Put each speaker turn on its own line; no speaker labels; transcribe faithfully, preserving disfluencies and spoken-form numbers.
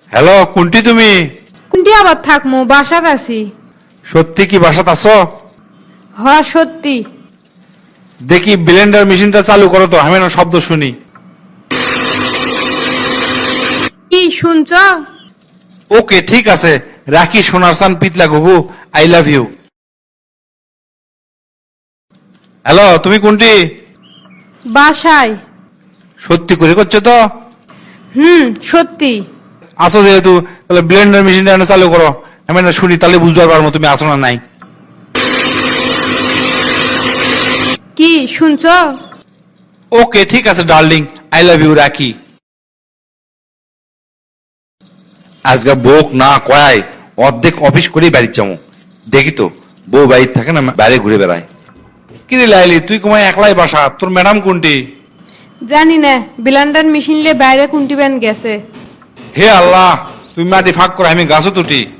Hello, কোনটি তুমি?
কোনটি আবার থাকমু, বাসাত আছি।
সত্যি কি বাসাত আছো?
হ সত্যি।
দেখি ব্লেন্ডার মেশিনটা চালু করো তো, আমি না শব্দ শুনি।
কি শুনছ?
ওকে ঠিক আছে, রাখি সোনার সান পিতলা ঘুঘু, আই লাভ ইউ। হ্যালো, তুমি কোনটি?
বাসায়।
সত্যি করে করছো তো?
হুম সত্যি।
আসো যেহেতু, তাহলে ব্লেন্ডার মেশিনটা চালু করো, আমি না শুনি, তাহলে বুঝতে পারবো তুমি আসো না নাই।
কি শুনছ?
ওকে ঠিক আছে ডার্লিং, আই লাভ ইউ, রাখি। আজকে বউক না কয়ায় অর্ধেক অফিস করেই বাড়ির যাবো। দেখি তো বউ বাড়ির থাকে না, বাইরে ঘুরে বেড়ায়। কিরে লাইলি, তুই কমায় একলাই বাসা, তোর ম্যাডাম কোনটি?
জানি না, ব্লেন্ডার মেশিন লে বাইরে কোনটি ব্যান গেছে।
হে আল্লাহ, তুই মাটি ফাঁক করে আমি গাছও তুটি।